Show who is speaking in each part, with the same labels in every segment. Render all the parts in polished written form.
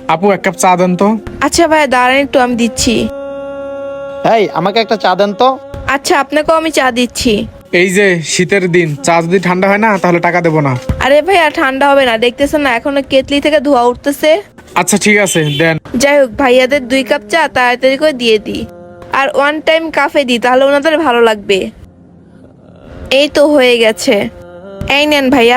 Speaker 1: আপু এক কাপ চা দেন তো।
Speaker 2: আচ্ছা ভাইয়া দাঁড়ান একটু, আমি দিচ্ছি।
Speaker 3: এই আমাকে একটা চা দেন তো।
Speaker 2: আচ্ছা আপনাকেও আমি চা দিচ্ছি।
Speaker 1: এই যে শীতের দিন, চা যদি ঠান্ডা হয় না তাহলে টাকা দেবো না।
Speaker 2: আরে ভাইয়া ঠান্ডা হবে না, দেখতেছেন না এখনো কেতলি থেকে ধোয়া উঠতেছে।
Speaker 1: আচ্ছা ঠিক আছে দেন।
Speaker 2: যাই হোক ভাইয়াদের 2 কাপ চা তাড়াতাড়ি করে দিয়ে দিই, আর 1 টাইম কাফে দিই, তাহলে ওনাদের ভালো লাগবে। এই তো হয়ে গেছে, এই নেন ভাইয়া।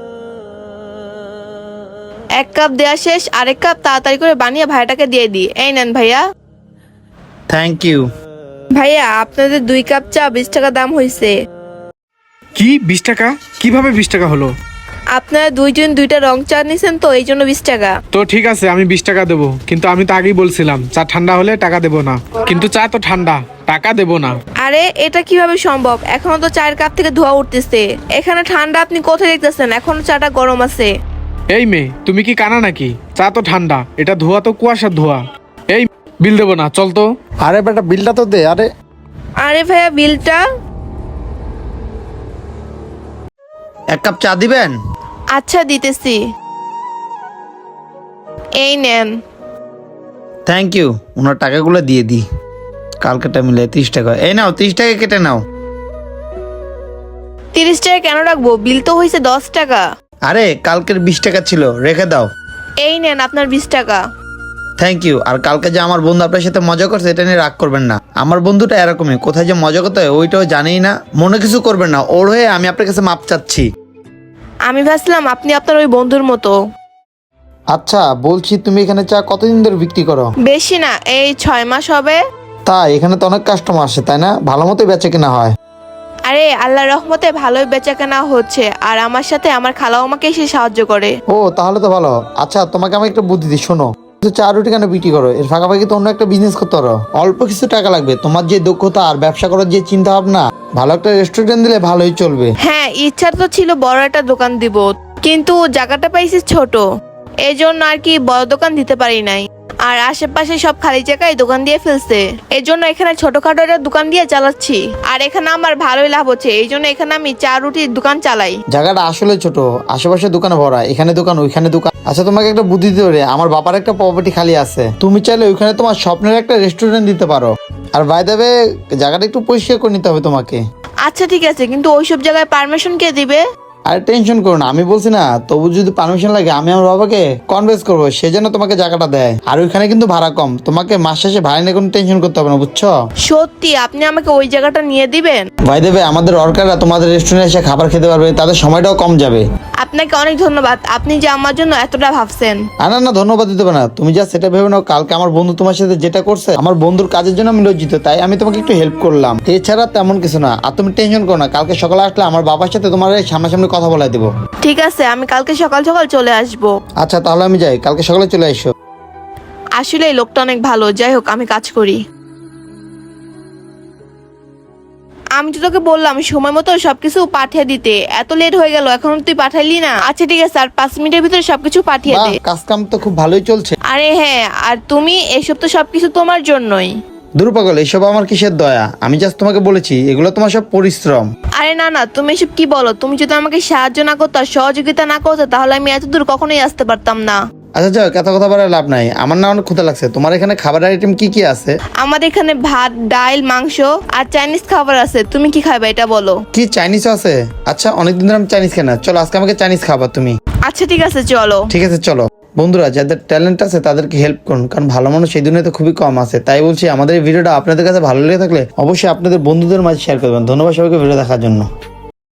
Speaker 2: 1 কাপ দেয়া শেষ, আরেক কাপ তাড়াতাড়ি করে বানিয়ে ভাইয়াটাকে দিয়ে দিই। এই নেন ভাইয়া।
Speaker 3: Thank you.
Speaker 2: ভাইয়া আপনাদের 2 কাপ চা 20 টাকা দাম হয়েছে।
Speaker 1: কি 20 টাকা? কিভাবে 20 টাকা হলো?
Speaker 2: আপনারা দুইজন 2টা রং চা নিছেন তো এই জন্য 20 টাকা।
Speaker 1: তো ঠিক আছে আমি 20 টাকা দেবো, কিন্তু আমি তো আগেই বলছিলাম চা ঠান্ডা হলে টাকা দেবো না। কিন্তু চা তো ঠান্ডা, টাকা দেবো না।
Speaker 2: আরে এটা কিভাবে সম্ভব? এখনো তো চায়ের কাপ থেকে ধোয়া উঠতেছে, এখানে ঠান্ডা আপনি কোথায় দেখতেছেন? এখনো চাটা গরম আছে।
Speaker 1: এই মেয়ে তুমি কি কানা নাকি? চা তো ঠান্ডা, এটা ধোয়া তো কুয়াশার ধোয়া। এই বিল দেবো না, চল তো।
Speaker 3: আরে বেটা বিলটা তো দে। আরে
Speaker 2: আরে ভাইয়া বিলটা।
Speaker 3: 1 কাপ চা দিবেন?
Speaker 2: আচ্ছা দিতেছি, এই নেন।
Speaker 3: Thank you. ওনার টাকাগুলো দিয়ে দিই। কালকেটা মিলে 30 টাকা। এই নাও 30 টাকা কেটে নাও।
Speaker 2: 30 টাকা কেন রাখবো? বিল তো হয়েছে 10 টাকা।
Speaker 3: আরে কালকের 20 টাকা ছিল, রেখে দাও।
Speaker 2: এই নেন আপনার 20 টাকা।
Speaker 3: Thank you. আর কালকে যে আমার বন্ধু আপনার সাথে মজা করছে এটা নিয়ে রাগ করবেন না। আমার বন্ধুটা এরকমই, কোথায় যে মজা করতে হয় ওইটাও জানেই না। মনে কিছু করবেন না, ওর হয়ে আমি আপনার কাছে মাপ চাচ্ছি।
Speaker 2: আমি ভাবছিলাম আপনি আপনার ওই বন্ধুর মতো।
Speaker 3: আচ্ছা বলছি, তুমি এখানে চা কতদিন ধরে বিক্রি করো?
Speaker 2: বেশি না, এই 6 মাস হবে।
Speaker 3: তাই? এখানে তো অনেক কাস্টমার আসে তাই না? ভালো মতো বেচে কিনা হয়?
Speaker 2: আরে আল্লাহর রহমতে ভালোই বেচাকেনা হচ্ছে, আর আমার সাথে আমার খালাও আমাকে এসে সাহায্য করে।
Speaker 3: ও তাহলে তো ভালো। আচ্ছা তোমাকে আমি একটা বুদ্ধি দিই, শোনো। তো চা রুটি কেন বিক্রি করো? এর ফাঁকাফাঁকি তো অন্য একটা বিজনেস করতে পারো। অল্প কিছু টাকা লাগবে, তোমার যে দক্ষতা আর ব্যবসা করার যে চিন্তা ভাবনা, ভালো একটা রেস্টুরেন্ট দিলে ভালোই চলবে।
Speaker 2: হ্যাঁ ইচ্ছা তো ছিল বড় একটা দোকান দিব, কিন্তু জায়গাটা পাইছি ছোট, এই জন্য আর কি বড় দোকান দিতে পারি নাই। আর আশেপাশে সব খালি জায়গায় দোকান দিয়ে ফেলছে, এই জন্য এখানে ছোটখাটো একটা দোকান দিয়ে চালাচ্ছি। আর এখানে আমার ভালোই লাভ হচ্ছে, এই জন্য এখানে আমি চা রুটির দোকান চালাই।
Speaker 3: জায়গাটা আসলে ছোট, আশেপাশে দোকানে ভরা, এখানে দোকান ওইখানে দোকান। আচ্ছা তোমাকে একটা বুদ্ধি দিতে পারি, আমার বাবার একটা প্রপার্টি খালি আছে, তুমি চাইলে ওইখানে তোমার স্বপ্নের একটা রেস্টুরেন্ট দিতে পারো। আর বাই দ্য ওয়ে জায়গাটা একটু পরিষ্কার করে নিতে হবে তোমাকে।
Speaker 2: আচ্ছা ঠিক আছে, কিন্তু ওইসব জায়গায় পারমিশন কে দিবে?
Speaker 3: আরে টেনশন করো না, আমি বলছি না, তবু যদি পারমিশন লাগে আমি আমার বাবাকে কনভিন্স করবো, সে যেন তোমাকে জায়গাটা দেয়। আর ওইখানে কিন্তু ভাড়া কম, তোমাকে মাস শেষে ভাড়া নিয়ে কোনো টেনশন করতে হবে না, বুঝছো?
Speaker 2: সত্যি আপনি আমাকে ওই জায়গাটা নিয়ে দিবেন?
Speaker 3: ভাই দেবে, আমাদের ওয়ার্কাররা তোমাদের রেস্টুরেন্টে এসে খাবার খেতে পারবে, তাদের সময়টাও কম যাবে।
Speaker 2: আপনাকে অনেক ধন্যবাদ, আপনি যে আমার জন্য এতটা ভাবছেন।
Speaker 3: না না ধন্যবাদ দিতে হবে না, তুমি যা সেটা ভেবে নাও। কালকে আমার বন্ধু তোমার সাথে যেটা করছে, আমার বন্ধুর কাজের জন্য আমি লজ্জিত, তাই আমি তোমাকে একটু হেল্প করলাম, এছাড়া তেমন কিছু না। আর তুমি টেনশন করো না, কালকে সকালে আসলে আমার বাবার সাথে তোমার সামনাসামনি কথা বলাই দেবো।
Speaker 2: ঠিক আছে, আমি কালকে সকাল সকাল চলে আসব।
Speaker 3: আচ্ছা তাহলে আমি যাই, কালকে সকালে চলে এসো।
Speaker 2: আসলে এই লোকটা অনেক ভালো, যাই হোক আমি কাজ করি। আমি তো তোকে বললাম সময় মতো সবকিছু পাঠিয়ে দিতে, এত লেট হয়ে গেল এখনো তুই পাঠাইলি না। আচ্ছা ঠিক আছে, আর 5 মিনিটের ভিতরে সবকিছু পাঠিয়ে দে।
Speaker 3: কাজ কাম তো খুব ভালোই চলছে।
Speaker 2: আরে হ্যাঁ, আর তুমি এসব তো সবকিছু তোমার জন্যই।
Speaker 3: দূর পাগল, এসব আমার কিসের দয়া, আমি জাস্ট তোমাকে বলেছি এগুলো তোমার সব পরিশ্রম।
Speaker 2: আরে না না, তুমি এসব কি বলো? তুমি যদি আমাকে সাহায্য না করতো আর সহযোগিতা না করতো, তাহলে আমি এত দূর কখনোই আসতে পারতাম না।
Speaker 3: আচ্ছা যাও, এত কথা বলার লাভ নাই, আমার না অনেক ক্ষুধা লাগছে। তোমার এখানে খাবারের আইটেম কি কি আছে?
Speaker 2: আমাদের এখানে ভাত, ডাল, মাংস আর চাইনিজ খাবার আছে। তুমি কি খাবে এটা বলো?
Speaker 3: কি চাইনিজ আছে? আচ্ছা অনেকদিন ধরে আমি চাইনিজ খাই না, চলো আজকে আমাকে চাইনিজ খাবার তুমি।
Speaker 2: আচ্ছা ঠিক আছে চলো।
Speaker 3: ঠিক আছে চলো। বন্ধুরা যাদের ট্যালেন্ট আছে তাদেরকে হেল্প করুন, কারণ ভালো মানুষ এই দুনিয়াতে খুবই কম আছে। তাই বলছি, আমাদের এই ভিডিওটা আপনাদের কাছে ভালো লেগে থাকলে অবশ্যই আপনাদের বন্ধুদের মাঝে শেয়ার করবেন। ধন্যবাদ সবাইকে ভিডিও দেখার জন্য।